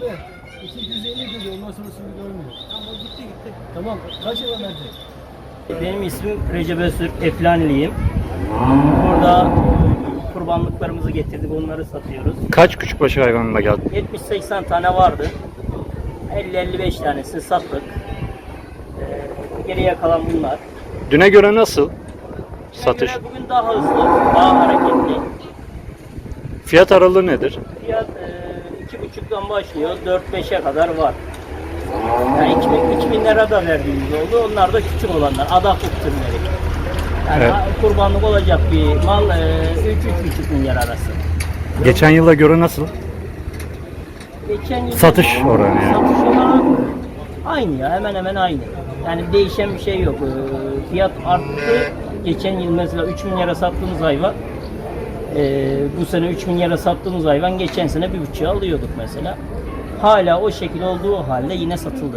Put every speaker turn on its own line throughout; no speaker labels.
abi. 250 dedi. Ondan sonrasını görmüyor. Tamam o gitti. Tamam. Kaç lira verecek?
Benim ismim Recep Öztürk, Eflaniliyim. Burada kurbanlıklarımızı getirdik, onları satıyoruz.
Kaç küçükbaş hayvanla geldin?
70-80 tane vardı. 50-55 tanesi sattık. Geriye kalan bunlar.
Düne göre nasıl satış?
Göre bugün daha hızlı, daha hareketli.
Fiyat aralığı nedir?
Fiyat 2,5'dan başlıyor, 4-5'e kadar var. Yani 2000 lira da verdiğimiz oldu. Onlar da küçük olanlar, adaklık türleri. Yani
Evet.
kurbanlık olacak bir mal 3-3,5 milyar arası.
Geçen yıla göre nasıl?
Geçen yıl
Satış oranı yani.
Satış olarak aynı ya, hemen hemen aynı. Yani değişen bir şey yok. Fiyat arttı. Geçen yıl mesela 3 milyara sattığımız hayvan, bu sene 3 milyara sattığımız hayvan geçen sene 1,5'a alıyorduk mesela. Hala o şekil olduğu halde yine satıldı.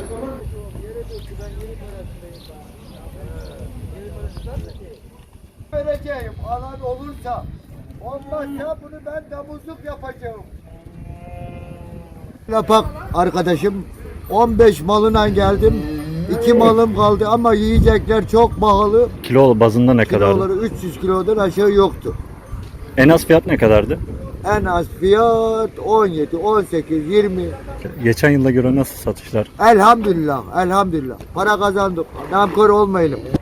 Vereceğim alan olursa, olmazsa bunu ben damızlık yapacağım. Lapak arkadaşım 15 malına geldim. 2 malım kaldı ama yiyecekler çok pahalı.
Kilo bazında ne kadardı?
Kiloları 300 kilodan aşağı yoktu.
En az fiyat ne kadardı?
En az fiyat 17, 18, 20.
Geçen yıla göre nasıl satışlar?
Elhamdülillah, elhamdülillah. Para kazandık. Namkör olmayalım.